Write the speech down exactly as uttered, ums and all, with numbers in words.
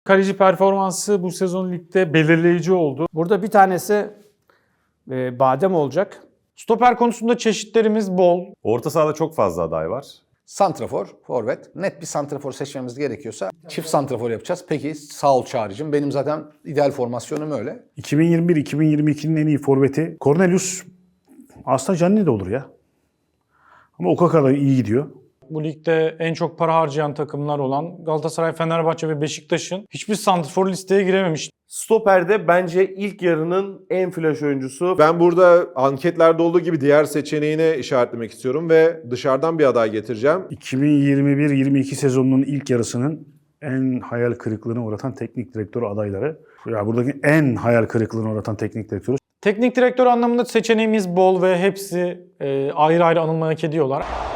Kaleci performansı bu sezon ligde belirleyici oldu. Burada bir tanesi e, Badem olacak. Stoper konusunda çeşitlerimiz bol. Orta sahada çok fazla aday var. Santrafor, forvet. Net bir santrafor seçmemiz gerekiyorsa çift santrafor yapacağız. Peki sağ ol Çağrı'cığım. Benim zaten ideal formasyonum öyle. iki bin yirmi bir iki bin yirmi ikinin en iyi forveti Cornelius aslında Gianni de olur ya. Ama o kadar iyi gidiyor. Bu ligde en çok para harcayan takımlar olan Galatasaray, Fenerbahçe ve Beşiktaş'ın hiçbir santrfor listeye girememiş. Stoper'de bence ilk yarının en flash oyuncusu. Ben burada anketlerde olduğu gibi diğer seçeneğine işaretlemek istiyorum ve dışarıdan bir aday getireceğim. iki bin yirmi bir yirmi iki sezonunun ilk yarısının en hayal kırıklığına uğratan teknik direktör adayları. Ya buradaki en hayal kırıklığına uğratan teknik direktörü Teknik direktör anlamında seçeneğimiz bol ve hepsi e, ayrı ayrı anılmayı hak ediyorlar.